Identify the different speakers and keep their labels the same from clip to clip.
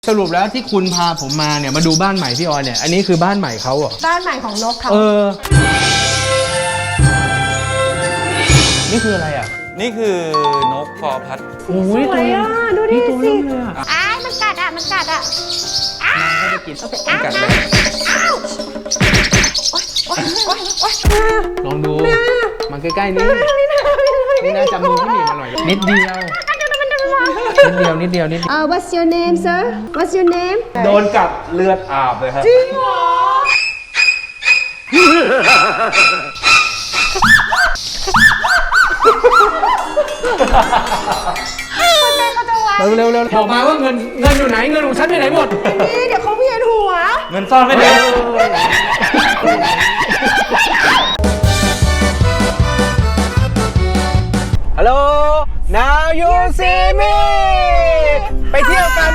Speaker 1: สรุปแล้วที่คุณพาผมมาเนี่ยมาดูบ้านใหม่พี่ออยเนี่ยอันนี้คือบ้านใหม่เขาเหรอ
Speaker 2: บ้านใหม่ของนกเขา
Speaker 1: นี่คืออะไรอ่ะ
Speaker 3: นี่คือนกฟอร์พัด
Speaker 1: โอ้ยตัวนี้
Speaker 2: ดูดิ
Speaker 1: ตัวนี้เลยอ่ะ
Speaker 2: มันกัดอ่ะมันกัดอ่ะ
Speaker 1: มันก็จะกิน
Speaker 3: กัดไหม
Speaker 1: ลองดูมันใกล้ๆนี่นี่น่าจะมือพี่หมีมาหน่อยนิดเดียว
Speaker 2: What's your name sir What's your name
Speaker 3: โดนกัดเลือดอาบเลยครับ
Speaker 2: จริงเหรอ
Speaker 1: เร็วบอกมาว่าเงินอยู่ไหนเงินของฉันไปไหนหมด
Speaker 2: นี่เดี๋ยวเขาเวียนหัว
Speaker 3: เงินซ่อนไม่ได้
Speaker 1: ฮัลโหล now you see me ไปเที่ยวกัน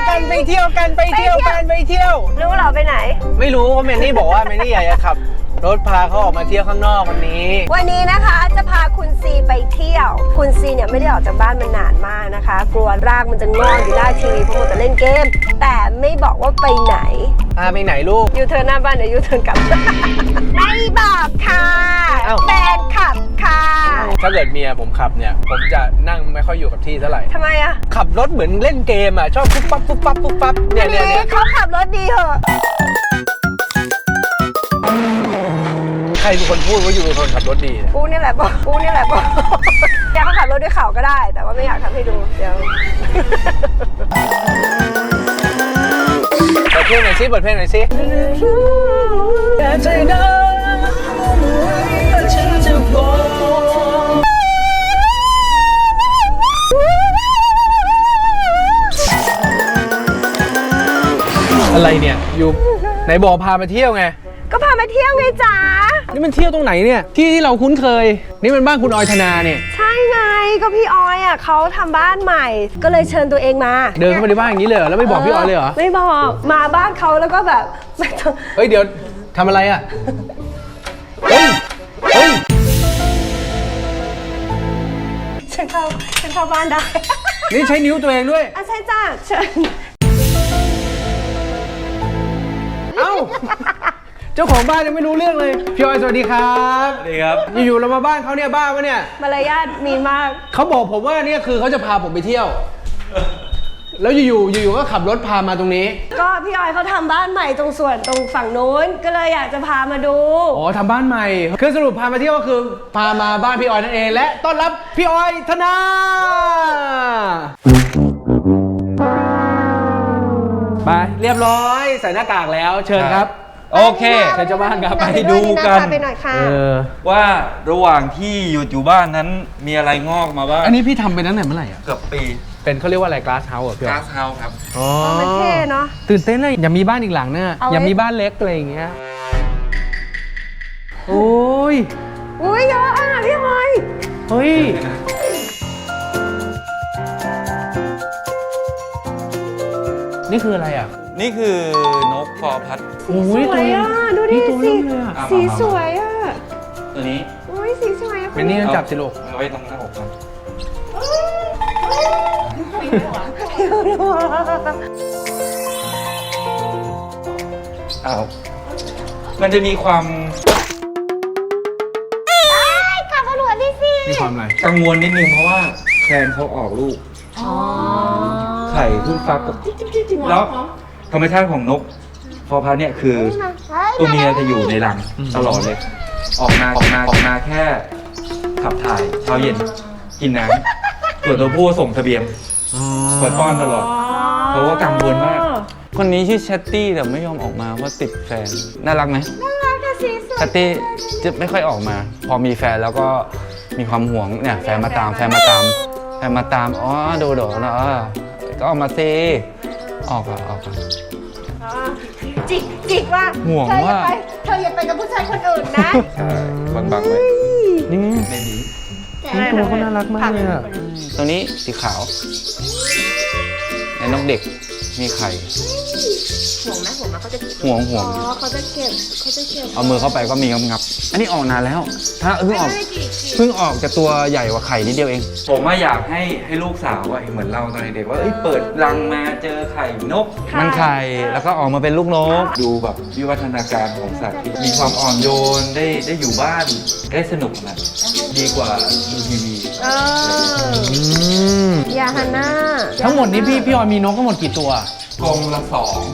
Speaker 2: รู้เหรอไปไหน
Speaker 1: ไม่รู้ว่าเมนนี่บอกว่าเมนนี่อยากจะขับรถพาเขาออกมาเที่ยวข้างนอกวันนี้
Speaker 2: นะคะจะพาคุณซีไปเที่ยวคุณซีเนี่ยไม่ได้ออกจากบ้านมานานมากนะคะกลัวรากมันจะงอกอยู่หน้าทีวีเพราะมัวแต่เล่นเกมแต่ไม่บอกว่าไปไหน
Speaker 1: ไปไหนลูก
Speaker 2: ยูเทิร์นหน้าบ้านเดี๋ยวยูเทิร์นกลับไม่บอกค่ะแฟนขับค่ะ
Speaker 1: ถ้าเกิดเมียผมขับเนี่ยผมจะนั่งไม่ค่อยอยู่กับที่เท่าไหร่
Speaker 2: ทำไมอะ
Speaker 1: ขับรถเหมือนเล่นเกมอะชอบปุ๊บปั๊บเนี่ย
Speaker 2: เขาขับรถดีเหรอ
Speaker 1: ใครเป็นคนพูดว่าอยู่เป็นคนขับรถดี
Speaker 2: กูนี่แหละบอกอยากเขาขับรถด้วยเข่าก็ได้แต่ว่าไม่อยากทำให้ดูเดี๋ยว
Speaker 1: เปิดเพลงหน่อยสิอะไรเนี่ยอยู่ไหนบอกพามาเที่ยวไง
Speaker 2: ก็พามาเที่ยวไงจ๋า
Speaker 1: นี่มันเที่ยวตรงไหนเนี่ยที่เราคุ้นเคยนี่มันบ้านคุณออยธนาเนี่ย
Speaker 2: ใช่ไงก็พี่ออยอ่ะเขาทำบ้านใหม่ก็เลยเชิญตัวเองมา
Speaker 1: เดินเข้ามาในบ้านอย่างนี้เลยเหรอแล้วไม่บอกพี่ออยเลยเหรอ
Speaker 2: ไม่บอกมาบ้านเขาแล้วก็แบบ
Speaker 1: เฮ้ยเดี๋ยวทำอะไรอ่ะเฮ้ย
Speaker 2: ฉันเข้าบ้านได้
Speaker 1: นี่ใช้นิ้วตัวเองด้วย
Speaker 2: ใช่จ้าเชิญ
Speaker 1: เอ้าเจ้าของบ้านยังไม่รู้เรื่องเลยพี่ออยสวัสดีครับ
Speaker 3: สวัสดีครับ
Speaker 1: อยู่ๆเรามาบ้านเขาเนี่ยบ้าปะเนี่ย
Speaker 2: มารยาทมีมาก
Speaker 1: เขาบอกผมว่าเนี่ยคือเขาจะพาผมไปเที่ยวแล้วอยู่ก็ขับรถพามาตรงนี้
Speaker 2: ก็พี่ออยเขาทำบ้านใหม่ตรงฝั่งนู้นก็เลยอยากจะพามาดู
Speaker 1: อ๋อทำบ้านใหม่คือสรุปพามาเที่ยวก็คือพามาบ้านพี่ออยนั่นเองและต้อนรับพี่ออยธนาไปเรียบร้อยใส่หน้ากากแล้วเชิญครับ
Speaker 3: โอเค
Speaker 1: เชิญเจ้าบ้านครับ
Speaker 3: ไปดูกันว่าระหว่างที่อยู่บ้านนั้นมีอะไรงอกมาบ้าง
Speaker 1: อันนี้พี่ทำไปตั้งแต่เมื่อไหร่อ่ะ
Speaker 3: เกือบปี
Speaker 1: เป็นเขาเรียกว่าอะไร glass house อ่ะพี่
Speaker 3: glass house ครับ
Speaker 1: อ๋อ
Speaker 2: มันเท่เนาะ
Speaker 1: ตื่นเต้นเลยอย่ามีบ้านอีกหลังเนี่ยอย่ามีบ้านเล็กอะไรอย่างเงี้ยโอ้ย
Speaker 2: เยอะอ่ะพี่ออย
Speaker 1: เฮ้ยนี่คืออะไรอ่ะ
Speaker 3: นี่คือนกฟอร์พัด
Speaker 1: โอ้ย
Speaker 2: สวยอ่ะดูดิสีสวยอ่ะ
Speaker 3: ตัวนี้
Speaker 2: สีสวย
Speaker 1: เป็นนี่จับสิลูก
Speaker 3: เอาไว้ตรงหน้าอกกันมันจะมีความ
Speaker 2: ขับรถดิสิ
Speaker 1: มีความอะไร
Speaker 3: กังวลนิดนึงเพราะว่าแคลนเขาออกลูกไข่ขึ้นฟักแล้วธรรมชาติของนกฟอร์พัดเนี่ยคือตัวเมียจะอยู่ในรังตลอดเลยออกมาแค่ขับถ่ายเช้าเย็นกินน้ำส่วนตัวผู้ส่งเสบียงคอยป้อนตลอดเพราะว่ากังวลมากคนนี้ชื่อแชตตี้แต่ไม่ยอมออกมาเพราะติดแฟนน่ารักไหม
Speaker 2: น่ารักค่ะสีสวย
Speaker 3: แชตตี้จะไม่ค่อยออกมาพอมีแฟนแล้วก็มีความห่วงเนี่ยแฟนมาตามอ๋อดูเนาะก็ออกมาซิออก
Speaker 2: จิกว่า
Speaker 3: ห่วงว่า
Speaker 2: เธออย่าไปกับผู้ชายคนอื่นนะ
Speaker 3: ใช่บังไว้
Speaker 1: นี่
Speaker 3: เบบี
Speaker 1: ตัวเขาน่ารักมากเลยอ่ะ
Speaker 3: ตัวนี้สีขาวในนกเด็กมีไข่
Speaker 2: ห่วงไหมห่วงไหมเขาจะเก็บ
Speaker 3: ห่วง
Speaker 2: อ๋อเขาจะเก็บ
Speaker 1: เอามือเข้าไปก็มีงับๆอันนี้ออกนานแล้ว ถ้าเพิ่งออกจากตัวใหญ่กว่าไข่นิดเดียวเอง
Speaker 3: ผมอยากให้ลูกสาวเหมือนเราตอนเด็กๆว่าเปิดรังมาเจอไข่นก
Speaker 1: มันไข่แล้วก็ออกมาเป็นลูกนก
Speaker 3: ดูแบบวิวัฒนาการของสัตว์ที่มีความอ่อนโยนได้อยู่บ้านได้สนุกนะดีกว่าดูทีวี
Speaker 2: ยาฮาน่า
Speaker 1: ทั้งหมดนี้พี่ออยมีนกทั้งหมดกี่ตัว
Speaker 3: กรงละ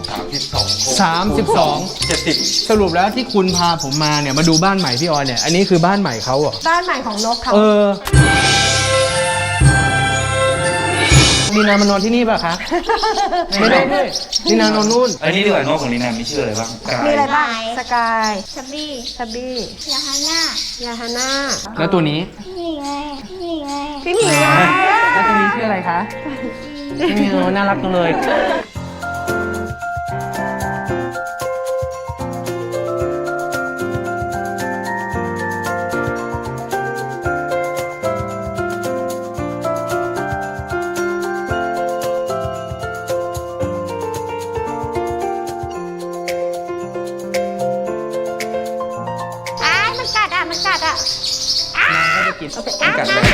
Speaker 3: 32 70
Speaker 1: สรุปแล้วที่คุณพาผมมาเนี่ยมาดูบ้านใหม่พี่ออยเนี่ยอันนี้คือบ้านใหม่เขาเหรอ
Speaker 2: บ้านใหม่ของนกเขา
Speaker 1: ลีนามานอนที่นี่ป่ะคะ ไม่ได้ด้วยลีนานอนนู่น
Speaker 3: อันนี้ดีกว่านกของลีนามีชื่ออะไรบ้าง
Speaker 2: มีอะไรบ้างสกาย
Speaker 4: ชับบี้
Speaker 2: ทับบี้
Speaker 4: ยาฮาน่าย
Speaker 2: าฮาน่า
Speaker 1: แล้วตัวนี้
Speaker 4: นี่ไง นี่ไง
Speaker 2: พี่หมีไง
Speaker 1: แล้วตัวนี้ชื่ออะไรคะน่ารักจังเลย
Speaker 4: มันกัดอ่ะ มันกัดอ่ะ
Speaker 3: ต้องกัดเลย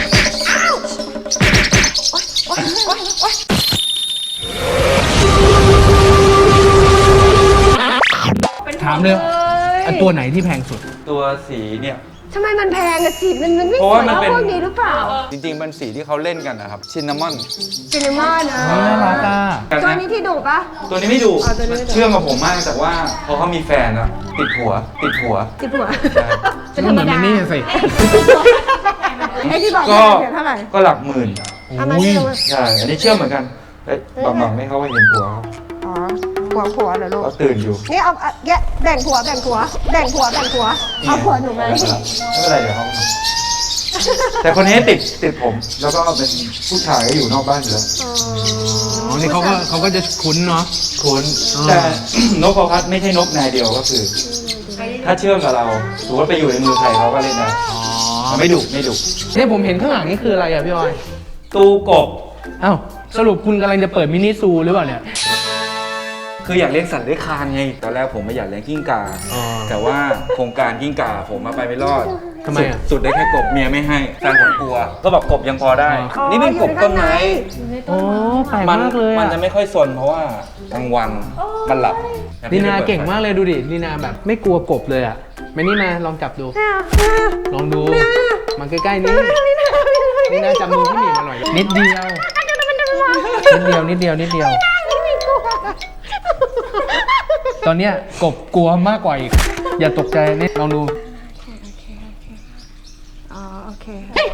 Speaker 1: ถามเลยอันตัวไหนที่แพงสุด
Speaker 3: ตัวสีเนี่ย
Speaker 2: ทำไมมันแพงอะสีมันไม่
Speaker 3: เพ
Speaker 2: ส
Speaker 3: ราะ
Speaker 2: ว
Speaker 3: ว่าย มัน
Speaker 2: เท่า
Speaker 3: เป็น
Speaker 2: พวกนี้หรือเปล่า
Speaker 3: จริงๆเป็นสีที่เขาเล่นกันนะครับชินนามอน
Speaker 2: ซินนามอนอะ
Speaker 1: น่ารักอ่ะ
Speaker 2: ตัวนี้ที่ดุปะ
Speaker 3: ตัวนี้ไม่ดุ
Speaker 2: อ๋อตัวนี้ไม่ดุ
Speaker 3: เชื่องกับผมมากแต่ว่าพอเขามีแฟนอะติดหัว
Speaker 2: ที่ผัว เป็นธร
Speaker 1: เห
Speaker 2: รม
Speaker 1: มือน
Speaker 2: ดา
Speaker 1: มินนี่สิ
Speaker 2: ไอ้ที่บอก
Speaker 3: ก็
Speaker 2: เสียเท่าไหร่
Speaker 3: ก็หลักหมื่น
Speaker 2: เอามานี่ลงมา
Speaker 3: ใช่อันนี้เชื่องเหมือนกันบางไม่เขาให้เห็นผัวเขา
Speaker 2: อ๋อผัวเหรอลูก
Speaker 3: เขาตื่นอยู่
Speaker 2: นี่เอาแบ่งผัวเอาผัวหนูมา
Speaker 3: ไม่เป็นไรเดี๋ยวเขาแต่คนนี้ติดผม แล้วก็เป็นผู้ชายก็อยู่นอกบ้านอยู่แล้ว
Speaker 1: อ๋อนี่เขาก็จะคุ้นเนาะ
Speaker 3: คุ้นแต่ นกพอพัดไม่ใช่นกนายเดียวก็คือ ถ้าเชื่อมกับเราถือว่าไปอยู่ในมือใครเขาก็เล่นได้
Speaker 1: อ๋อ
Speaker 3: ไม่ดุ
Speaker 1: เนี่ยผมเห็นข้างหลังนี่คืออะไรอ่ะพี่ออย
Speaker 3: ตูกบ
Speaker 1: อ้าวสรุปคุณกำลังจะเปิดมินิซูหรือเปล่าเนี่ย
Speaker 3: คืออยากเลี้ยงสัตว์เลื้อยคลานไงตอนแรกผมไม่อยากเลี้ยงกิ้งก่า
Speaker 1: อ๋อ
Speaker 3: แต่ว่าโครงการกิ้งก่าผมมาไปไม่รอด
Speaker 1: ทำไมอ่ะ
Speaker 3: สุดได้แค่กบเมียไม่ให้แฟนผมกลัว ก็บอกกบยังพอได้ นี่เป็นกบต้นไม้
Speaker 1: โอ้แปลก
Speaker 3: มัน
Speaker 1: มากเลย
Speaker 3: มัน
Speaker 1: อ่ะ
Speaker 3: จะไม่ค่อยซนเพราะว่ากลางวันมันหลับ
Speaker 1: ลีนาเก่งมากเลยดูดิลีนาแบบไม่กลัวกบเลยอ่ะมานี่มาลองจับดู ลองดูมาใกล้ๆนี่ลีนาจับมือพี่หมีมาหน่อยนิดเดียวนิดเดียวตอนเนี้ยกบกลัวมากกว่าอีกอย่าตกใจนี่ลองดู
Speaker 2: อ๋อโอเค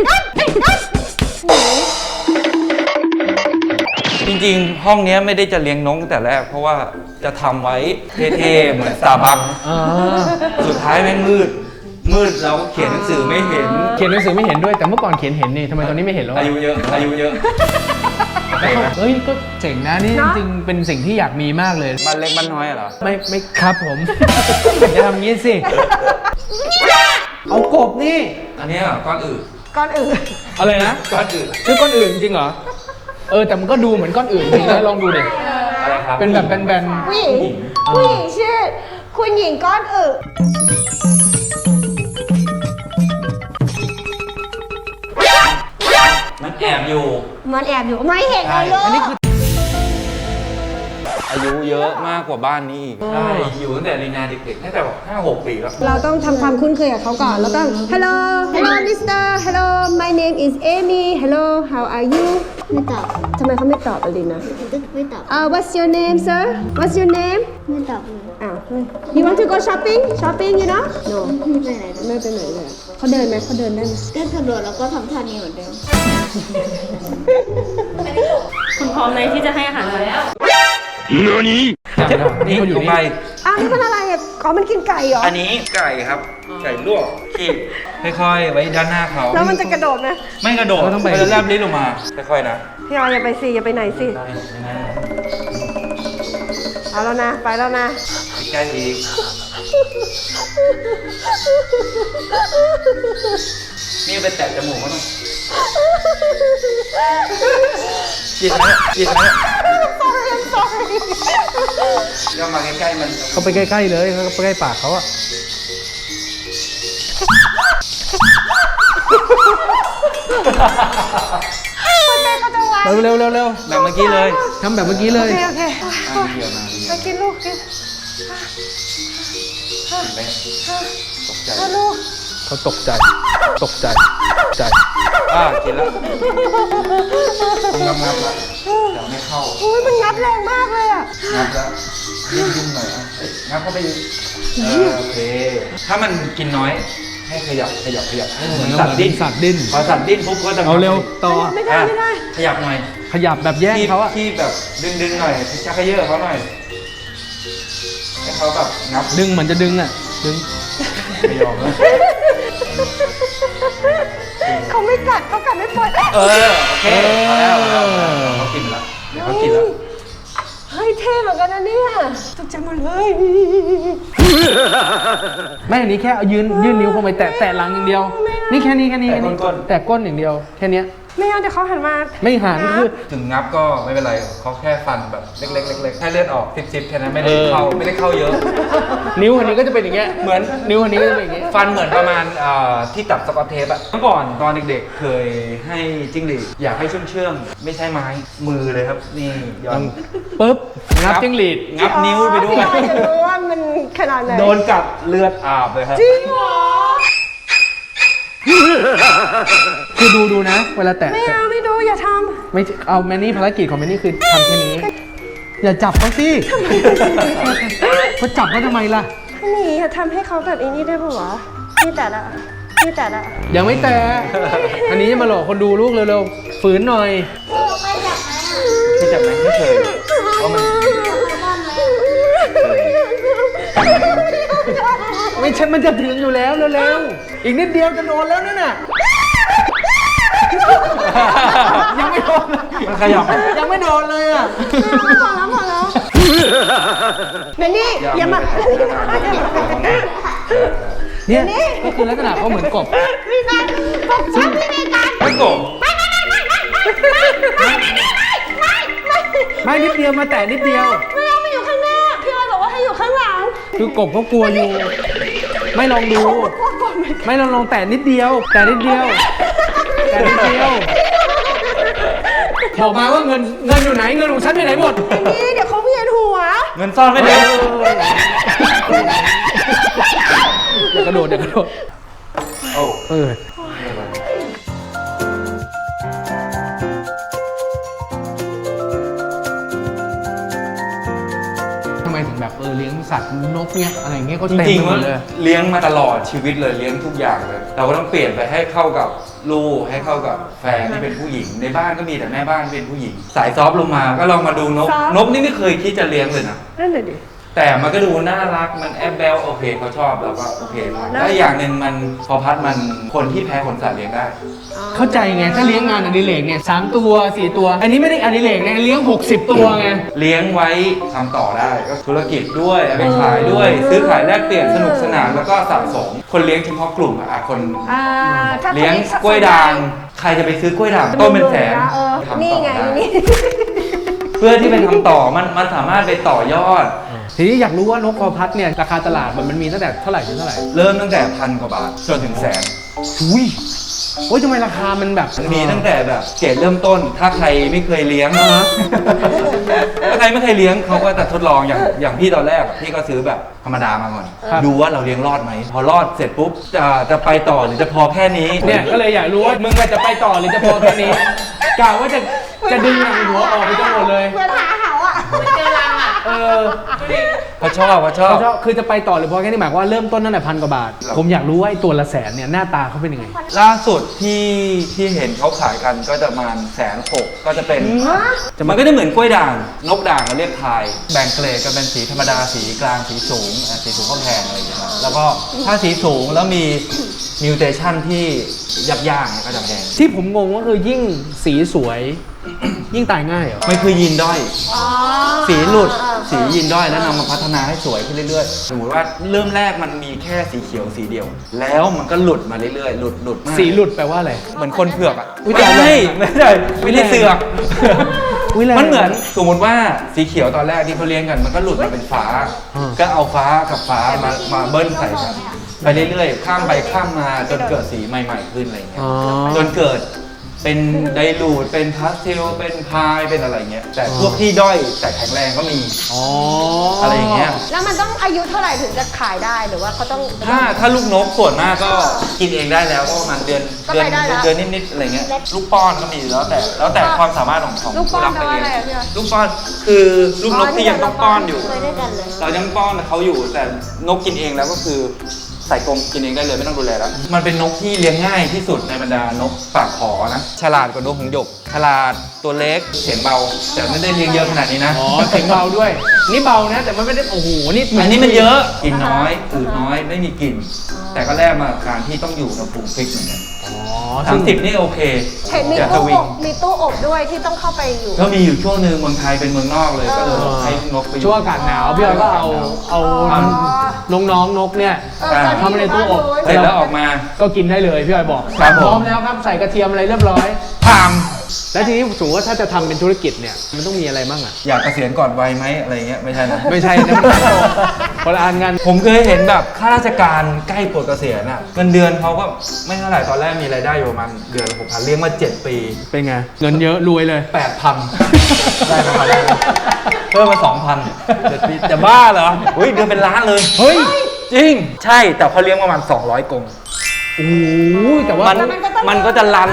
Speaker 3: จริงๆ ห้องเนี้ยไม่ได้จะเลี้ยงนกตั้งแต่แรก เพราะว่าจะทำไว้เท่ๆเหมือนสตาร์บัค
Speaker 1: อ่า
Speaker 3: สุดท้ายแม่งมืดเราก็เขียนหนังสือไม่เห็น
Speaker 1: เขียนหนังสือไม่เห็นด้วยแต่เมื่อก่อนเขียนเห็นนี่ทำไมตอนนี้ไม่เห็นแล้ว
Speaker 3: อายุเยอะ
Speaker 1: เฮ้ยก็เจ๋งนะนี่จริงๆเป็นสิ่งที่อยากมีมากเลย
Speaker 3: บ้านเล็กบ้านน้อยเหรอ
Speaker 1: ไม่ครับผม อย่าทำงี้สิเอากบนี่
Speaker 3: อันเนี้ยก้อนอื่น
Speaker 2: ก้อนอื่น
Speaker 1: อะไรนะ
Speaker 3: ก้อนอื่น
Speaker 1: ชื่อก้อนอื่นจริงเหรอแต่มันก็ดูเหมือนก้อนอื่นจริงนะลองดูดิ
Speaker 3: อะไรครับ
Speaker 1: เป็นแบบแบน
Speaker 2: ผู้หญิงชื่อคุณหญิงก้อนอึ
Speaker 3: มันแอบอยู่
Speaker 2: มันแอบอยู่ไม่เห็นเลยลูก
Speaker 1: อันนี้คือ
Speaker 3: อายุเยอะมากกว่าบ้านนี้อีกใช่อยู่ตั้งแต่ลีนาเด็กๆตั้งแต่แบบ5-6 ปีแล้ว
Speaker 2: เราต้องทำความคุ้นเคยกับเขาก่อนแล้วต้อง Hello Mister Hello my name is Amy Hello how are you
Speaker 4: ไม่ตอบ
Speaker 2: ทำไมเขาไม่ตอบอลินนะ
Speaker 4: ไม่ตอบ
Speaker 2: What's your name sir What's your name
Speaker 4: ไม่ตอบเลย
Speaker 2: อ้าว You want to go shopping you know No
Speaker 4: ไม่ไปไหนเลย
Speaker 2: ไม่ไปไหนเลยอะเขาเดินไหมเขาเดินได้ไหม
Speaker 4: ก็กระโดดแล้วก็ทำท่านี้เหมือนเดิม
Speaker 5: คุณพร้อมเลยที่จะให้อาหารมัน
Speaker 1: จำได้
Speaker 3: นี่
Speaker 1: เขาอยู่
Speaker 3: ลง
Speaker 1: นี่
Speaker 3: ไป
Speaker 2: อ้าวนี่มันอะไรอ่ะอ๋อมันกินไก่เหรอ
Speaker 3: อันนี้ไก่ครับ ไก่ลวกขีดค่อยๆ ไว้ด้านหน้าเขา
Speaker 2: แล้วมันจะกระโดดไหม
Speaker 3: ไม่กระโดด
Speaker 1: เราต้องไป
Speaker 3: มันจะแลบลิ้นลงมา ค่อยๆนะ
Speaker 2: พี่ออยอย่าไปสิอย่าไปไหนสิ
Speaker 3: ได้อย่างนั้น
Speaker 2: เอาแล้วนะไปแล้วนะ
Speaker 3: ใกล้อีกนี่ไปแตะจมูกเขาหน่อยจิตนะก็มาใกล้ๆมัน
Speaker 1: เขาไปใกล้ๆเลยเขาไปใกล้ปากเขาอะเร็วๆเร็ว
Speaker 3: แบบเมื่อกี้เลย
Speaker 1: ๆทำแบบเมื่อกี้เลย
Speaker 2: โอเค
Speaker 3: เดียวมา
Speaker 2: มากินลูกกิน
Speaker 3: ตกใจ
Speaker 2: ลูก
Speaker 1: เขาตกใจใจ
Speaker 3: กินแล้วงับแล้วแต่ไม่เข้า
Speaker 2: อุ้ยมันงับแรงมากเลยอ่ะ
Speaker 3: งับแล้วยุ่งหน่อยงับเข้าไปอีกโอเคถ้ามันกินน้อยให้ขยับให้เหมือนสัตว์ดิ้น
Speaker 1: สัตว์ดิ้น
Speaker 3: พอสัตว์ดิ้นปุ๊บก็จะ
Speaker 1: เอาเร็วต่อ
Speaker 2: ไม่ได้ไม่ได้
Speaker 3: ขยับหน่อย
Speaker 1: ขยับแบบแย่งเขาอะ
Speaker 3: ที่แบบดึงหน่อยชักขยเขาหน่อยให้เขาแบบงับ
Speaker 1: ดึงเหมือนจะดึงอะดึง
Speaker 3: ไม่ยอมนะ
Speaker 2: เขาไม่กัดเขากัดไม่ปล่อย
Speaker 3: โอเคพอแล้วเขากินแล้วเดี๋ยวเขากินแล้ว
Speaker 2: เฮ้ยเท่เหมือนกันนะเนี่ยตกใจหมดเลย
Speaker 1: ไม่อันนี้แค่เอายื่นนิ้วเข้าไปแตะหลังอย่างเดียว นี่แค่นี้แตะก้นอย่างเดียวแค่เนี้ย
Speaker 2: ไม่เอาเดี๋ยวเขาหันมา
Speaker 1: ไม่หันคือ
Speaker 3: ถึงงับก็ไม่เป็นไรเขาแค่ฟันแบบเล็กๆให้เลือดออกซิบๆแค่นั้นไม่ได้เข้าเยอะ
Speaker 1: นิ้วอันนี้ก็จะเป็นอย่างเงี้ยเหมือนนิ้วอันนี้ก็จะเป็นอย่างเงี้ย
Speaker 3: ฟันเหมือนประมาณที่ตัดสกอตเทปอะเมื่อก่อนตอนเด็กๆเคยให้จิ้งหรีดอยากให้เชื่องๆไม่ใช่ไม้มือเลยครับนี่ย้อน
Speaker 1: ปึ๊บงับจิ้งหรีด
Speaker 3: งับนิ้วไปด้วย
Speaker 2: พี่จะรู้ว่ามันขนาดไหน
Speaker 3: โดนกัดเลือดอาบเลยครับ
Speaker 2: จริงเหรอ
Speaker 1: คือดูนะ เวลาแตะ
Speaker 2: ไม่เอาไม่ดูอย่าท
Speaker 1: ไม่เอาแมนนี่ภารกิจของแมนนี่คือทำแค่นี้ อย่าจับเขาสิเขาจับเขาทำไมล่ะ
Speaker 2: ำนี่อย่าทำให้เขาแบบไอ้นี่ได้ปะวะนี่แต่ละนี่แต่ละ
Speaker 1: ยังไม่แตะอันนี้มาหลอกคนดูลูกเร็วๆฝืนหน่อย
Speaker 3: ไม่จับไหมไม่เคยเพราะมัน
Speaker 1: ไม่ใช่มันจะถึงอยู่แล้วเร็วๆอีกนิดเดียวจะโดนแล้วนั่นน่ะยังไม่โดนเลย
Speaker 3: มันขยับ
Speaker 1: ยังไม่โดนเลยอ่ะ
Speaker 2: พอแล้วแมนนี่อย่ามา
Speaker 1: เนี่ยก็คือลักษณะเขาเหมือนกบ
Speaker 2: พี่นันบอกฉันพี่ในการ
Speaker 3: ไม่โกง
Speaker 1: ไม่นิดเดียวมาแตะนิดเดียว
Speaker 2: ไม่เอามาอยู่ข้างหน้าพี่ออยบอกว่าให้อยู่ข้างหลัง
Speaker 1: คือกบเขากลัวอยู่ ไม่ลองดู ไม่ลองแตะนิดเดียว แต่นิดเดียวบอกมาว่าเงินอยู่ไหนเงินของฉันไปไหนหมด
Speaker 2: นี่เดี๋ยวเขาเวียนหัว
Speaker 3: เงินซ่อนไม่ได้
Speaker 1: เดี๋ยวกระโดด
Speaker 3: โอ้
Speaker 1: เออทำไมถึงแบบเลี้ยงสัตว์นกเนี้ยอะไรเงี้ยก็
Speaker 3: จ
Speaker 1: เต็ม
Speaker 3: ริง
Speaker 1: ไป
Speaker 3: ๆ
Speaker 1: หม
Speaker 3: ว่า
Speaker 1: ดเลย
Speaker 3: เลี้ยงมาตลอดชีวิตเลยเลี้ยงทุกอย่างเลย เราก็ต้องเปลี่ยนไปให้เข้ากับลูกให้เข้ากับแฟนที่เป็นผู้หญิง ในบ้านก็มีแต่แม่บ้านที่เป็นผู้หญิง สายซอฟต์ลงมาก็ลองมาดูนกนี่ไม่เคยคิดจะเลี้ยงเลยนะ
Speaker 2: นั่นเลยดิ
Speaker 3: แต่มันก็ดูน่ารักมันแอบแบลโอเคเขาชอบเราก็โอเคแล้วอย่างหนึ่งมันพอพัดมันคนที่แพ้ขนสัตว์เลี้ยงได้
Speaker 1: เข้าใจไงถ้าเลี้ยงงานอดิเรกเนี่ย3 ตัว 4 ตัว อันนี้ไม่ได้อดิเรกไงเลี้ยง60 ตัวไง
Speaker 3: เลี้ยงไว้ทำต่อได้ก็ธุรกิจด้วยเอาไปขายด้วย ซื้อขายแลกเปลี่ยนสนุกสนานแล้วก็สะสมคนเลี้ยงเฉพาะกลุ่มอะคน
Speaker 2: ถ้า
Speaker 3: เลี้ยงกล้วยด่างใครจะไปซื้อกล้วยด่างต้นเป็นแสนทำ
Speaker 2: นี่
Speaker 3: ต่อ
Speaker 2: ไง
Speaker 3: ได้
Speaker 2: นี่
Speaker 3: เพื่อที่ไปทำต่อมันสามารถไปต่อยอด
Speaker 1: ทีนี้อยากรู้ว่านกคอพัดเนี่ยราคาตลาดมันมีตั้งแต่เท่าไหร่ถึงเท่าไหร่
Speaker 3: เริ่มตั้งแต่1,000 กว่าบาทจนถึงแสน
Speaker 1: อุ้ยโอ้ยทำไมราคามันแบบ
Speaker 3: มันมีตั้งแต่แบบเกรดเริ่มต้น ถ้าใครไม่เคยเลี้ยงถ้าใครไม่เคยเลี้ยงเขาก็จะทดลองอย่างพี่ตอนแรกอะพี่ก็ซื้อแบบธรรมดามาก่อน ดูว่าเราเลี้ยงรอดไหมพอรอดเสร็จปุ๊บจะไปต่อหรือจะพอแค่นี้
Speaker 1: เนี่ยก็เลยอยากรู้ว่ามึงจะไปต่อหรือจะพอแค่นี้กะว่าจะดึงหนังหัวออกไปทั้งหมดเลย
Speaker 2: เพื่อนหาเหาอ่ะ
Speaker 1: เออ
Speaker 3: เขาชอบ
Speaker 1: คือจะไปต่อหรือพอแค่นี้หมายความว่าเริ่มต้นตั้งแต่1,000 กว่าบาท ผมอยากรู้ว่าไอ้ตัวละแสนเนี่ยหน้าตาเขาเป็นยังไง
Speaker 3: ล่าสุดที่เห็นเขาขายกันก็จะประมาณ160,000ก็จะเป็นมันก็จะเหมือนกล้วยด่างนกด่างเราเรียกพายแบ่งเกรดกันเป็นสีธรรมดาสีกลางสีสูงสีสูงก็แพงอะไรอย่างเงี้ยครับแล้วก็ถ้าสีสูงแล้วมีมิวเทชันที่ยับยั้งก็จะแพง
Speaker 1: ที่ผมงงก็คือยิ่งสีสวย ยิ่งตายง่ายเหรอ
Speaker 3: มันคือยีนด้อยสีหลุดสียีนด้อยแล้วนำมาพัฒนาให้สวยขึ้นเรื่อยๆสมมติว่าเริ่มแรกมันมีแค่สีเขียวสีเดียว แล้วมันก็หลุดมาเรื่อยๆหลุดมาก
Speaker 1: สีหลุดแปลว่าอะไร
Speaker 3: เหมือนคนเผือกอ่ะ
Speaker 1: อุ๊ย
Speaker 3: ไม่ใช่ไม่ได้เสือก
Speaker 1: อุ๊ยแรง
Speaker 3: มันเหมือนสมมติว่าสีเขียวตอนแรกที่เขาเลี้ยงกันมันก็หลุดมาเป็นฟ้า ก็เอาฟ้ากับฟ้ามาเบิ้ลใส่กันไปเรื่อยๆข้ามไปข้ามมาจนเกิดสีใหม่ๆขึ้นอะไรเงี้ย
Speaker 1: อ๋อ
Speaker 3: จนเกิดเป็นไดรูดเป็นพาสเทลเป็นพายเป็นอะไรเงี้ยแต่พวกที่ด้อยแต่แข็งแรงก็มี
Speaker 1: อ๋อ
Speaker 3: อะ
Speaker 1: อะไร
Speaker 3: อย่างเงี้ย
Speaker 2: แล้วมันต้องอายุเท่าไหร่ถึงจะขายได้หรือว่าเขาต้อง
Speaker 3: ถ้าลูกนกส่วนมากก็กินเองได้แล้วก็ประมาณเดือนนิดๆอะไรเงี้ยลูกป้อนก็มีแล้วแต่ความสามารถของ
Speaker 2: ลูกป้อน
Speaker 3: ผู้
Speaker 2: แปล
Speaker 3: รับ
Speaker 2: ว่า
Speaker 3: ไป
Speaker 2: อะไร
Speaker 3: เลี้ยง
Speaker 2: อะพี่ออย
Speaker 3: ลูกป้อนคือลูกนกที่ยังต้องป้อนอยู่
Speaker 4: เคยได้กันเลย
Speaker 3: เรายังป้อนเขาอยู่แต่นกกินเองแล้วก็คือใส่กรงกินเองได้เลยไม่ต้องดูแลแล้วมันเป็นนกที่เลี้ยงง่ายที่สุดในบรรดานกปากขอนะฉลาดกว่านกหงส์หยกฉลาดตัวเล็กเสียงเบาแต่ไม่ได้เลี้ยงเยอะขนาดนี้นะ
Speaker 1: อ๋อเสียงเบาด้วย นี่เบานะ แต่มันไม่ได้โอ้โหนี่
Speaker 3: อันนี้มันเยอะกินน้อยอืดน้อยไม่มีกลิ่นแต่ก็แลกมาการที่ต้องอยู่ในภูมิฟิกเหมือนกัน
Speaker 1: อ๋อ
Speaker 3: 30นี่โอเค
Speaker 2: เห็นมี
Speaker 3: อย่าส
Speaker 2: ตู้
Speaker 3: วิ
Speaker 2: อง บมีตู้อบด้วยที่ต้องเข้าไปอยู่
Speaker 3: ก็มีอยู่ช่วงหนึ่งเมืองไทยเป็นเมืองนอกเลยก็เลยให้นกไปอยู่
Speaker 1: ช่วงอากาศหนาวพี่ออยก็เอาน้องๆนกเนี่ย เข้ามาในตู้อบ
Speaker 3: เสร็จแล้วออกมา
Speaker 1: ก็กินได้เลยพี่ออยบอก
Speaker 3: ครับผม
Speaker 1: พร้อมแล้วครับใส่กระเทียมอะไรเรียบร้อย
Speaker 3: ทาม
Speaker 1: แล้วทีนี้สมมติว่าถ้าจะทำเป็นธุรกิจเนี่ยมันต้องมีอะไรบ้างอ่ะ
Speaker 3: อยากเกษียณก่อนวัยไหมอะไรเงี้ยไม่ใช่นะ
Speaker 1: ไม่ใช่นะมันคนละอันกัน
Speaker 3: ผมเคยเห็นแบบข้าราชการใกล้ปลดเกษียณอ่ะเงินเดือนเขาก็ไม่เท่าไหร่ตอนแรกมีรายได้อยู่ประมาณเดือนละ6,000เลี้ยงมา7 ปี
Speaker 1: เป็นไงเงินเยอะรวยเลย
Speaker 3: 8,000 ได้ประมาณนั้นเพิ่มมา 2,000 7 ปีจะบ้าเหรอเฮ้ยเดือนเป็นล้านเลย
Speaker 1: เฮ้ย
Speaker 3: จริง ใช่แต่เขาเลี้ยงประมาณ200 กรง
Speaker 1: โอ้โหแต่ว่า
Speaker 3: มันก็จะรัน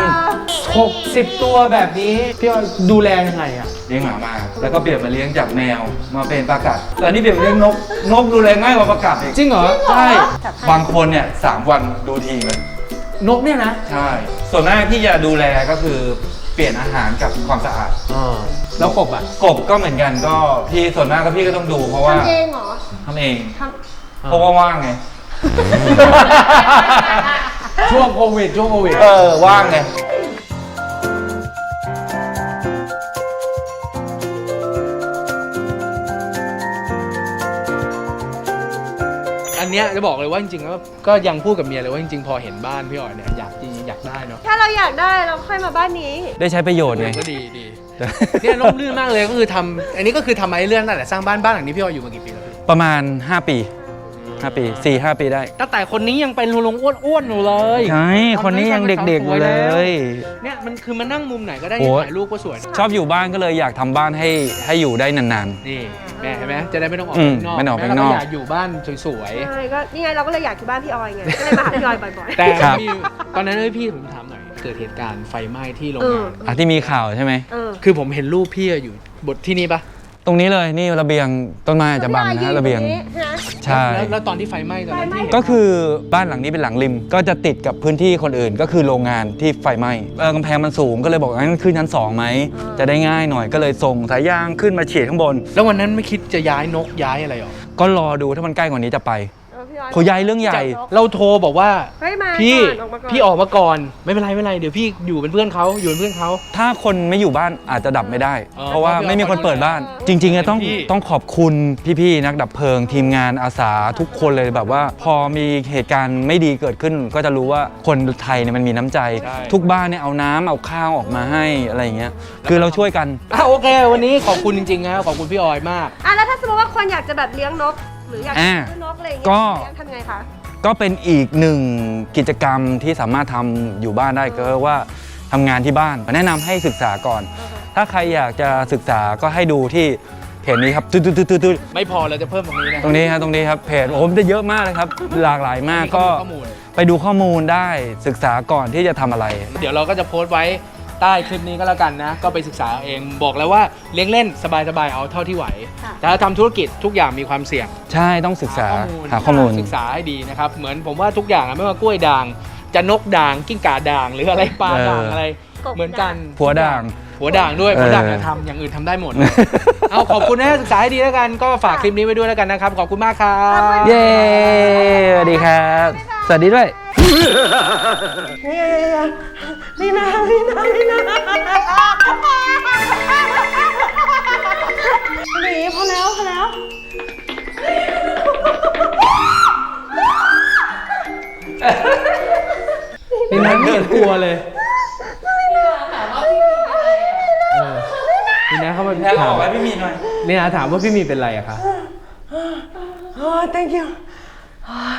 Speaker 1: 60 ตัวแบบนี้พี่ออยดูแลยังไงอ่ะ
Speaker 3: เลี้ยงหมามาแล้วก็เปลี่ยนมาเลี้ยงจากแมวมาเป็นปลากัดแต่นี่เปลี่ยนมาเลี้ยงนกดูแลง่ายกว่าปลากัดอีก
Speaker 1: จริงเหรอ
Speaker 3: ใช่บางคนเนี่ย3 วันดูทีเลย
Speaker 1: นกเนี่ยนะ
Speaker 3: ใช่ ส่วนมากที่จะดูแลก็คือเปลี่ยนอาหารกับความสะอาด
Speaker 1: แล้วกบอ่ะ
Speaker 3: กบก็เหมือนกันก็พี่ส่วนมากก็พี่ก็ต้องดูเพราะว่า
Speaker 2: ทำเองเหรอ
Speaker 3: ทำเอง
Speaker 2: ท
Speaker 3: เพราะว่าว่างไง
Speaker 1: ช่วงโควิด
Speaker 3: ว่างไง
Speaker 1: อันเนี้ยจะบอกเลยว่าจริงๆแล้วก็ยังพูดกับเมียเลยว่าจริงๆพอเห็นบ้านพี่ออยเนี่ยอยากได้เนาะ
Speaker 2: ถ้าเราอยากได้เราค่อยมาบ้านนี้
Speaker 3: ได้ใช้ประโยชน์ไง
Speaker 1: ก็ดีเนี่ยร่มรื่นมากเลยก็คือทำอันนี้ก็คือทำมาเรื่องนั่นแหละสร้างบ้านหลังนี้พี่ออยอยู่มากี่ปีแล้วพี่
Speaker 3: ประมาณ5 ปี4-5 ปีได้
Speaker 1: ตั้งแต่คนนี้ยังเป็นลุงอ้วนๆอยู่เลย
Speaker 3: ใช่คนนี้ยังเด็กๆอยู่เลย
Speaker 1: เนี่ยมันคือมันนั่งมุมไหนก็ได้
Speaker 3: โอ้
Speaker 1: ถ่ายรูปก็สวย
Speaker 3: ชอบอยู่บ้านก็เลยอยากทำบ้านให้อยู่ได้นาน
Speaker 1: นี่แม่เห็นไหมจะได้ไม่ต้องออก
Speaker 3: อืม
Speaker 1: ข้างนอก
Speaker 3: ไม่ต้องออก
Speaker 1: แม่
Speaker 3: ข้างนอก
Speaker 1: เราอยากอยู่บ้านสวย
Speaker 2: ใช่ก็นี่ไงเราก็เลยอยากที่บ้านพี่ออยไง ก็เลยมาหาพี่ออยบ่อย
Speaker 1: ๆแต่
Speaker 3: ครับ
Speaker 1: มีตอนนั้นพี่ผมถามหน่อยเกิดเหตุการณ์ไฟไหม้ที่โรงงาน
Speaker 3: ที่มีข่าวใช่ไหม
Speaker 2: ๆ
Speaker 1: คือผมเห็นรูปพี่อยู่บทที่นี่ปะ
Speaker 3: ตรงนี้เลยนี่ระเบียงต้นไม้อาจจะบังนะระเบียง ใช่
Speaker 1: แล้วตอนที่ไฟไหม้ตอนนั้นที่เห็น
Speaker 3: ก็คือบ้านหลังนี้เป็นหลังริม ก็จะติดกับพื้นที่คนอื่นก็คือโรงงานที่ไฟไหม้กำแพงมันสูงก็เลยบอกงั้นขึ้นชั้น2ไหมจะได้ง่ายหน่อยก็เลยส่งสายยางขึ้นมาฉีดข้างบน
Speaker 1: แล้ววันนั้นไม่คิดจะย้ายนกย้ายอะไรหรอ
Speaker 3: ก็รอดูถ้ามันใกล้กว่านี้จะไป
Speaker 2: พี่ออย
Speaker 3: เขาย้ายเรื่องใหญ่
Speaker 1: เราโทรบอกว่า
Speaker 2: เฮ้ยมา
Speaker 1: พี่
Speaker 2: ก่อนออกมาก่อน
Speaker 1: พี่ออกมาก่อนไม่เป็นไรเดี๋ยวพี่อยู่เป็นเพื่อนเขาอยู่เป็นเพื่อนเขา
Speaker 3: ถ้าคนไม่อยู่บ้านอาจจะดับไม่ได้
Speaker 1: อ๋อ
Speaker 3: เพราะว่าไม่มีคนเปิดบ้าน
Speaker 1: เพราะ
Speaker 3: จริงๆอะต้อง
Speaker 1: พี่
Speaker 3: ต้องขอบคุณพี่ๆนักดับเพลิง ทีมงานอาสาทุกคนเลยแบบว่า พอมีเหตุการณ์ไม่ดีเกิดขึ้น ก็จะรู้ว่าคนไทยเนี่ยมันมีน้ำใจ ทุกบ้านเนี่ยเอาน้ำเอาข้าวออกมาให้อะไรอย่างเงี้ยคือเราช่วยกัน
Speaker 1: โอเค วันนี้ขอบคุณจริงๆนะขอบคุณพี่ออยมาก
Speaker 2: แล้วถ้าสมมติว่าคนอยากจะแบบเลี้ยงนก หรืออยากจะซื้อนกอะไรอย่างเงี้ย
Speaker 3: ก็
Speaker 2: เลี้ยงทำไงคะ
Speaker 3: ก็เป็นอีกหนึ่งกิจกรรมที่สามารถทำอยู่บ้านได้ก็ว่าทำงานที่บ้านแนะนำให้ศึกษาก่อน ถ้าใครอยากจะศึกษาก็ให้ดูที่เพจนี้ครับตึ๊ดๆๆ
Speaker 1: ไม่พอเราจะเพิ่มตรงนี้นะ
Speaker 3: ตรงนี้ครับเพจโอ้มจะเยอะมากเลยครับ หลากหลายมากก็
Speaker 1: ข้อมูล
Speaker 3: ไปดูข้อมูลได้ศึกษาก่อนที่จะทำอะไร
Speaker 1: เดี๋ยวเราก็จะโพสต์ไว้ใต้คลิปนี้ก็แล้วกันนะ ก็ไปศึกษาเองบอกแล้วว่าเลี้ยงเล่นสบายๆเอาเท่าที่ไหว แต่ถ้าทำธุรกิจทุกอย่างมีความเสี่ยง
Speaker 3: ใช่ต้องศึกษาหาข้อมูล
Speaker 1: ศึกษาให้ดีนะครับ เหมือนผมว่าทุกอย่างอะไม่ว่ากล้วยด่าง จะนกด่างกิ้งก่าด่าง หรืออะไรปลาด่างอะไร เหมือนกัน
Speaker 3: ผัวด่าง
Speaker 1: หัวด่างด้วย
Speaker 3: เออ
Speaker 1: หัวด่างจะทำอย่างอื่นทำได้หมด เอาขอบคุณนะศึกษาให้ดีแล้วกันก็ฝากคลิปนี้ไว้ด้วยแล้วกันนะครับ ขอบคุณมากครับ
Speaker 3: เย้สวัสดีครับ สวัสดีด้วย
Speaker 2: นี่นะหนีพอแล้ว
Speaker 1: นี่นะไม่เห็นกลัวเลยนี่นะ
Speaker 3: แพ้ออกไว้พี่มีหน่อย
Speaker 1: นี่นะถามว่าพี่มีเป็นไรอะคะ
Speaker 2: thank you